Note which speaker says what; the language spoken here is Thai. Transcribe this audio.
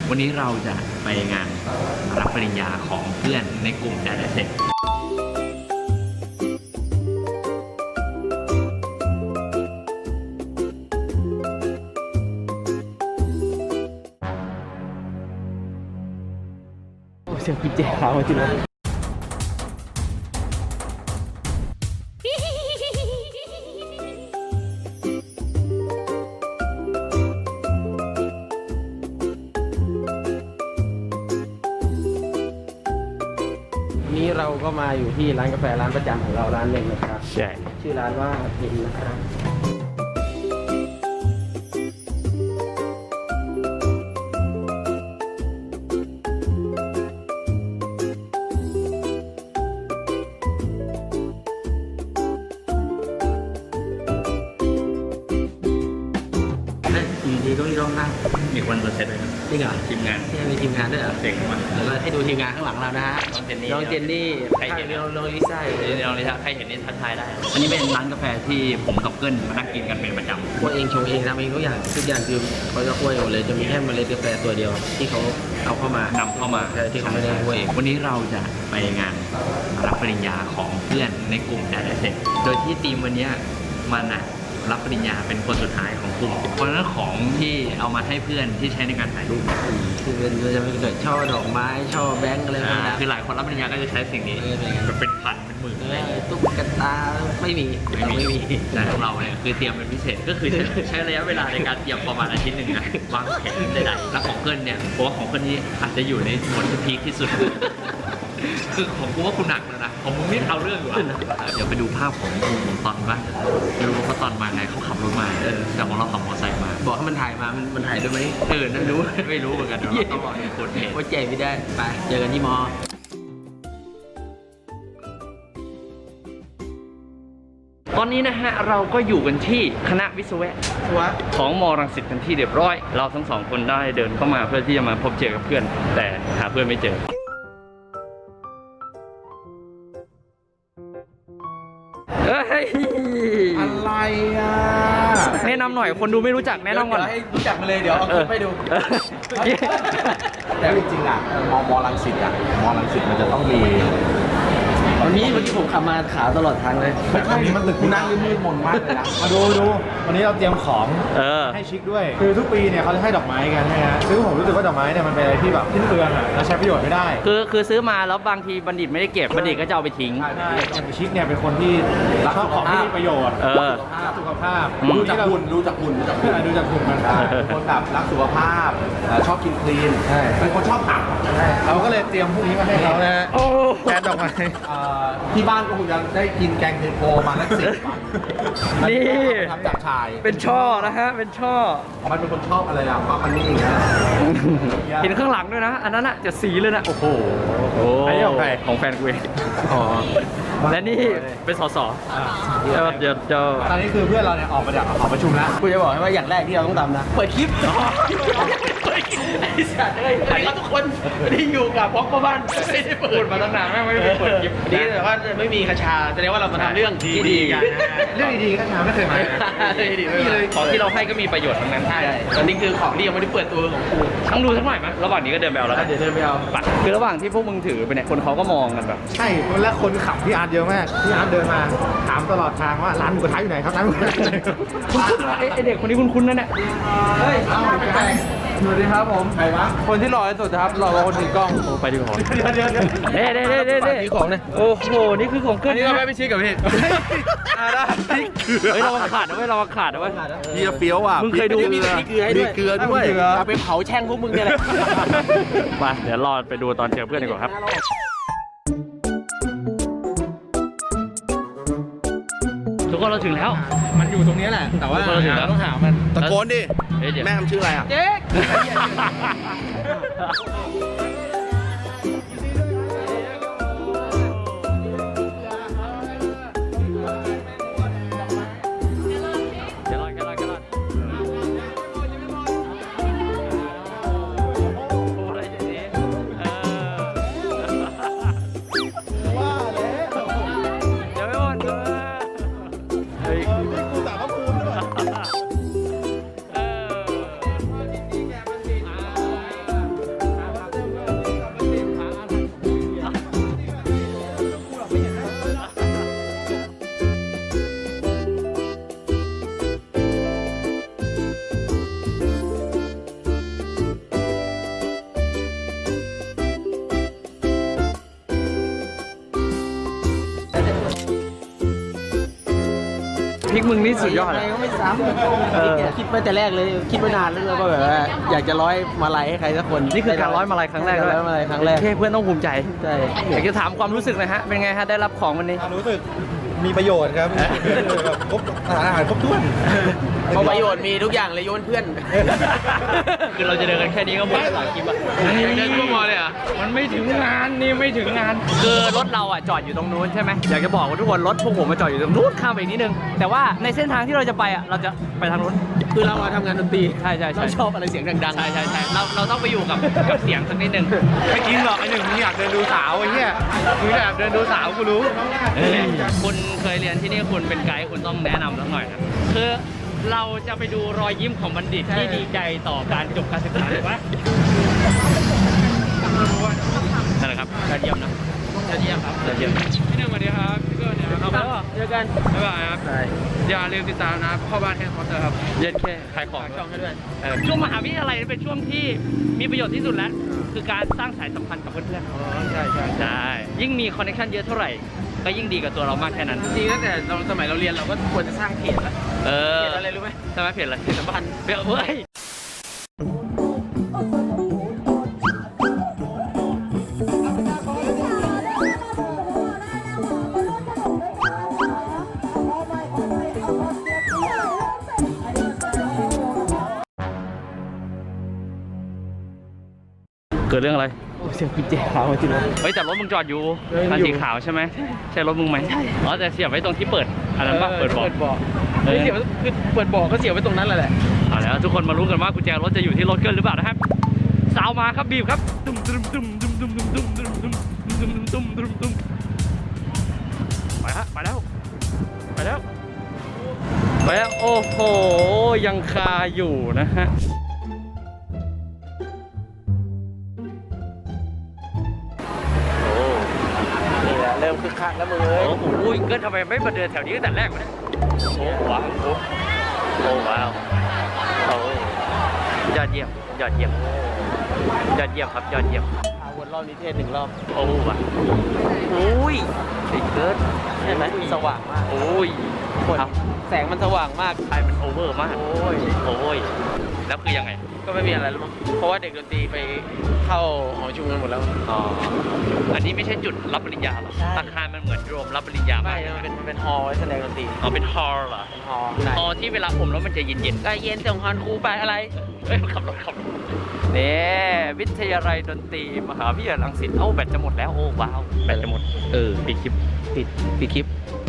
Speaker 1: วันนี้เราจะไปงานรับปริญญาของเพื่อนในกลุ่มดาราเซ็ต
Speaker 2: เสียงกินเจ๊ขาวจริงเลยนี้เราก็มาอยู่ที่ร้านกาแฟร้านประจำของเราร้านหนึ่งนะครับ
Speaker 1: ใช่
Speaker 2: ชื่อร้านว่าเพนนะครับอยู่ดีก็มีร้องนั่ง
Speaker 1: มีคนมาเซ็ตเลยครับ
Speaker 2: จริงเหรอ
Speaker 1: ทีมงาน
Speaker 2: มีทีมงานด้วยเหรอ
Speaker 1: เจ๋งมาก
Speaker 2: เดี๋ยวเราให้ดูทีมงานข้างหลังเรานะฮะน้องเจนนี่
Speaker 1: ใครเห็น
Speaker 2: น้องลิซ่า
Speaker 1: น้องลิซ่าใครเห็นนี่ทักทายได้อันนี้เป็นร้านกาแฟที่ผมกับเกิลมานั่งกินกันเป็นประจำ
Speaker 2: คั่วเองชงเองทำเองทุกอย่างคือเขาจะคั่วเองหมดเลยจะมีแค่เมล็ดกาแฟตัวเดียวที่เขาเอาเข้ามาน
Speaker 1: ำเข้ามา
Speaker 2: ที่เขาไม่ได้คั่วเอง
Speaker 1: วันนี้เราจะไปงานรับปริญญาของเพื่อนในกลุ่มดาราเซ็ตโดยที่ทีมวันนี้มันรับปริญญาเป็นคนสุดท้ายของกลุ่มเพราะฉะนั้นของที่เอามาให้เพื่อนที่ใช้ในการถ่ายรูป
Speaker 2: คือจะเป็นช่อดอกไม้ช่อแบงค์อะไรพวกนี้
Speaker 1: คือหลายคนรับปริญญาก็จะใช้สิ่งนี้แบบเป็นพันเป็นหมื่น
Speaker 2: ตุ๊กตาไม่มี
Speaker 1: แต่ของเราเนี่ยคือเตรียมเป็นพิเศษก็คือใช้ระยะเวลาในการเตรียมประมาณอาทิตย์หนึ่งนะวางแผนใดๆแล้วของเกินเนี่ยผมว่าของคนนี้อาจจะอยู่ในผลที่พีคที่สุดคือของกูว่ากูหนักแล้วนะของมึงนี่เอาเรื่องอยู่เดี๋ยวไปดูภาพของผมตอนบ้างไม่รู้ว่าตอนมาไงเขาขับรถมาแต่ของเราขับมอเตอร์ไซค์มา
Speaker 2: บอกให้มันถ่ายมามันถ่ายด้วยไหม
Speaker 1: นั่นรู้ไม่รู้เหมือนกันเราต้องรอให้คนเห็น
Speaker 2: ว่าเจ๋ไม่ได้ไปเจอกันที่มอ
Speaker 1: ตอนนี้นะฮะเราก็อยู่กันที่คณะวิศวะของม.รังสิตกันที่เรียบร้อยเราทั้งสองคนได้เดินเข้ามาเพื่อที่จะมาพบเจอกับเพื่อนแต่หาเพื่อนไม่เจอ
Speaker 2: อะไรอ่ะ
Speaker 1: แนะนำหน่อยคนดูไม่รู้จักแนะนำก่อน
Speaker 2: ให้รู้จักมาเลยเดี๋ยวเอาคลิปไปดูแต่จริงๆอ่ะม.รังสิตอ่ะม.รังสิตมันจะต้องมีวันนี้ผมขับมาขาตลอดทางเลยวันนี้มันตึกนั่งมืดมนมากเลยนะ
Speaker 3: มาดูวันนี้เราเตรียมของให้ชิคด้วยคือทุกปีเนี่ยเขาจะให้ดอกไม้กันนะฮะซึ่งผมรู้สึกว่าดอกไม้เนี่ยมันเป็นอะไรที่แบบทิ้งเปลืองอ่ะแล้วใช้ประโยชน์ไม่ได้
Speaker 1: คือซื้อมาแล้วบางทีบัณฑิตไม่ได้เก็บบัณฑิตก็จะเอาไปทิ้ง
Speaker 3: ชิคเนี่ยเป็นคนที่รักของที่มีประโยชน์รักสุขภาพ
Speaker 2: รู้จักหุ่น
Speaker 3: มัน
Speaker 2: คนแบบรักสุขภาพชอบกินคลีนเป็นคนชอบผัก
Speaker 3: เราก็เลยเตรียมพวกนี้มาให้เขานะฮะแทนดอกไม้
Speaker 2: ที่บ้านก็คงจะได้กินแกงเทโพมาแล้ว10 วัน
Speaker 1: นี่
Speaker 2: ทำจากชาย
Speaker 1: เป็นช่อนะฮะเป็นช่อ
Speaker 2: มันเป็นคนชอบอะไรอ่ะเพราะมันนี่เองนะ
Speaker 1: เห็นข้างหลังด้วยนะอันนั้นอ่ะจะสีเลยนะโอ้โห
Speaker 3: อันนี้ของใคร
Speaker 1: ของแฟนกูเองและนี่เป็นสสเดี๋ยว
Speaker 3: ตอนนี้คือเพื่อนเราเนี่ยออกมาจากหอประชุมแล้ว
Speaker 2: กูจะบอกให้ว่าอย่างแรกที่เราต้องทำนะเปิดคลิปไอ้สัตว์เลยอันนี้ทุกคนที่อยู่กับพ็อกบ้านไม่ได้เปิด
Speaker 1: มาตั้งนานไม่ได้เปิดคลิป
Speaker 2: ดีแต่ว่าไม่มีคาชาแสดงว่าเรามาทำเรื่องที่ดีกัน
Speaker 3: เรื่องดีๆคาชาไม่เคยมา
Speaker 1: ของที่เราให้ก็มีประโยชน์ทั้งนั้น
Speaker 2: ใช่ตอนนี้คือของที่ยังไม่ได้เปิดตัวของกู
Speaker 1: ต้องดูสักหน่อยไหมระหว่างนี้ก็เดินไปเอาแล้ว
Speaker 2: เดี๋ยวเดินไปเอา
Speaker 1: คือระหว่างที่พวกมึงถือไปเนี่ยคนเขาก็มองกันแบบ
Speaker 3: ใช่แล้วคนขับพี่อาร์ตเยอะมากพี่อาร์ตเดินมาถามตลอดทางว่าร้านหมูกระทะอยู่ไหนครับร้านหมูกระทะ
Speaker 1: คุณไอเด็กคนนี้คุ้นๆนั่นแหละ
Speaker 2: เฮ้ยสวัสดีครับผมใครวะคนที่หล่อที่สุดครับหล่อกว่าคนถือกล้อง
Speaker 1: ไปดีกว่า
Speaker 3: เดี๋ยว
Speaker 2: นี่ของเนี่ย
Speaker 1: โอ้โหนี่คือของเกิน
Speaker 2: นี่เราไม่ชิคกับพี่
Speaker 1: ได้เฮ้ยเราขาดนะเว้ยเราขาดนะเว้ย
Speaker 2: พี่เฟี้ยวอ่ะ
Speaker 1: มึงเคยดู
Speaker 2: มีเกลือด้วยเอาไปเผาแช่งพวกมึงเนี่ยแหละ
Speaker 1: มาเดี๋ยวรอไปดูตอนเจอเพื่อนดีกว่าครับทุกคนเราถึงแล้ว
Speaker 3: มันอยู่ตรงนี้แหละแต่ว่าเราต้องหามัน
Speaker 2: ตะโกนดิแม่ทำชื่ออะไรอ่ะ
Speaker 1: เจ๊
Speaker 4: ริกมึงนี่สุดยอด
Speaker 2: ยัง
Speaker 4: อะ
Speaker 2: ไงก็ไม่ซ้
Speaker 4: เออ
Speaker 2: ำคิดมาแต่แรกเลยคิดมานานแล้วก็แบบว่าอยากจะร้อยมาลัยให้ใครสักคน
Speaker 4: นี่คือการร้อยมาลัยครั้งแรกด้วย
Speaker 2: ร้อยมาลัยครั้งแรก
Speaker 4: โอเคเพื่อนต้องภูมิใจ
Speaker 2: ใช่
Speaker 4: อยากจะถามความรู้สึกหนะฮะ เป็นไงฮะ ได้รับของวันนี้
Speaker 3: รู้สึกมีประโยชน์ครับแบบครบอาหารครบถ้วน
Speaker 2: เพราะประโยชน์มีทุกอย่างเลยโยนเพื่อน
Speaker 1: คือเราจะเดินกันแค่นี้ก็หมดหลายคลิปอะอยากเดินทั่วมอเลยอ่ะ
Speaker 4: มันไม่ถึงงานนี่ไม่ถึงงาน คือรถเราอ่ะจอดอยู่ตรงนู้นใช่ไหมอยากจะบอกว่าทุกคนรถพวกผมมาจอดอยู่ตรงนู้นข้ามไปอีกนิดนึง แต่ว่าในเส้นทางที่เราจะไปอ่ะเราจะไปทางนู้น
Speaker 2: คือเรามาทำงานดนตรี
Speaker 4: ใช่ใช่ใช่
Speaker 2: เราชอบอะไรเสียงดัง
Speaker 1: ใช่ใช่ใช่เราต้องไปอยู่กับเสียงสักนิดนึง
Speaker 3: ไม่จริงหรอกไอ้หนึ่งมึงอยากเดินดูสาวไอ้เหี้ยมึงอยากเดินดูสาวกูรู้
Speaker 1: คุณเคยเรียนที่นี่คุณเป็นไกด์คุณต้องแนะนำสักหน่อยนะคือเราจะไปดูรอยยิ้มของบัณฑิตที่ดีใจต่อการจบการศึกษาถูกไหมนั่นแหละครับยอดเยี่ยมนะยอดเยี่ยมครับยอดเยี่ยมพี่หนึ่งสวัสดีครับพี่เกิร์ลเนี่ยครับ
Speaker 2: ๆเจอกัน
Speaker 1: บ๊ายบายครับอย่าลืมติดตามนะพ่อบ้านแฮนด์คอร์เตอร์ครับเย็นแค่ขายของ
Speaker 2: ช่องให้ด้วย
Speaker 1: ช่วงมหาวิทยาลัยเป็นช่วงที่มีประโยชน์ที่สุดแล้ว คือการสร้างสายสัมพันธ์กับเพื่อนๆ
Speaker 2: ใช่ใช่
Speaker 1: ใช่ยิ่งมีคอนเนคชั่นเยอะเท่าไหร่ ก็ยิ่งดีกับตัวเรามากแค่นั้น
Speaker 2: จริงๆตั้งแต่เราสมัยเราเรียนเราก็ควรจะสร้างเพจแล้ว
Speaker 1: เออ
Speaker 2: เพจอะไรรู้ไหม
Speaker 1: ใช่ไหมเพจอะไรเพจสัมพันธ์เพจเฮ้ยเกิดเรื่องอะไร
Speaker 2: โอ้เสียงกุญแจขาวมาจริงเลย
Speaker 1: เฮ้ยแต่รถมึงจอดอยู่
Speaker 2: เออ
Speaker 1: คัน
Speaker 2: อยู่
Speaker 1: สีขาวใช่ไหมใช่รถมึงไหมอ๋อแต่เสียบไว้ตรงที่เปิดอันนั้นป่ะเปิดเบาะ
Speaker 2: ไม่เสียบคือเปิดบ่อก็เสียบไว้ตรงนั้นแหละ
Speaker 1: เอาแล้วทุกคนมารู้กันว่ากุญแจรถจะอยู่ที่รถเกินหรือเปล่านะครับสาวมาครับบีบครับตุ้มตุ้มตุ้มตุ้มตุ้มตุ้มตุ้มตุ้มตุ้มตุ้มตุ้มตุ้มตุ้มไปฮะไปแล้วไปแล้วไปแล้วโอ้โหยังคาอยู่นะฮะ
Speaker 2: นี่แหละเริ่มคึกคักแล้วมึงเอ้ย
Speaker 1: โอ้โหเกินทำไมไม่มาเดินแถวนี้ตั้งแต่แรกวะเนี่ยโอ้ว้าวโอ้ว้าวโอ้ยอดเยี่ยมยอดเยี่ยมยอดเยี่ยมครับยอดเยี่ยม
Speaker 2: วนรอบนี้เทศ1 รอบ
Speaker 1: โอ้ว่ะโอ้ยไอ้เกิน
Speaker 2: ใช่ไหมสว่างมาก
Speaker 1: โอ้ย
Speaker 2: คน
Speaker 1: ครับ
Speaker 2: แสงมันสว่างมาก
Speaker 1: ไอ้มันโอเวอร์มาก
Speaker 2: โอ้ย
Speaker 1: โอ้ยแล้วคือยังไง
Speaker 2: ก็ไม่มีอะไรแล้วมั้งเพราะว่าเด็กดนตรีไปเข้าหอประชุมกันหมดแล้ว
Speaker 1: อ๋ออันนี้ไม่ใช่จุดรับปริญญาหรอ
Speaker 2: ใช่
Speaker 1: อาคารมันเหมือนโรมรับปริญญา
Speaker 2: ไม่
Speaker 1: มาก
Speaker 2: มันเป็นฮอลล์ไว้แสดงดนตรี
Speaker 1: อ๋อเป็นฮอลล์เหรอ
Speaker 2: เป็นฮอลล์ไหน
Speaker 1: ฮอลล์ที่เวลาอมแล้วมันจะเย็นๆ
Speaker 2: ก็เย็นส่งฮอนครูไปอะไร
Speaker 1: เอ้ยขับรถนี่วิทยาลัยดนตรีมหาวิทยาลัยรังสิตเอ้าแบตจะหมดแล้วโอ้ว้าวแบตจะหมดปิดคลิป
Speaker 2: ปิดคลิป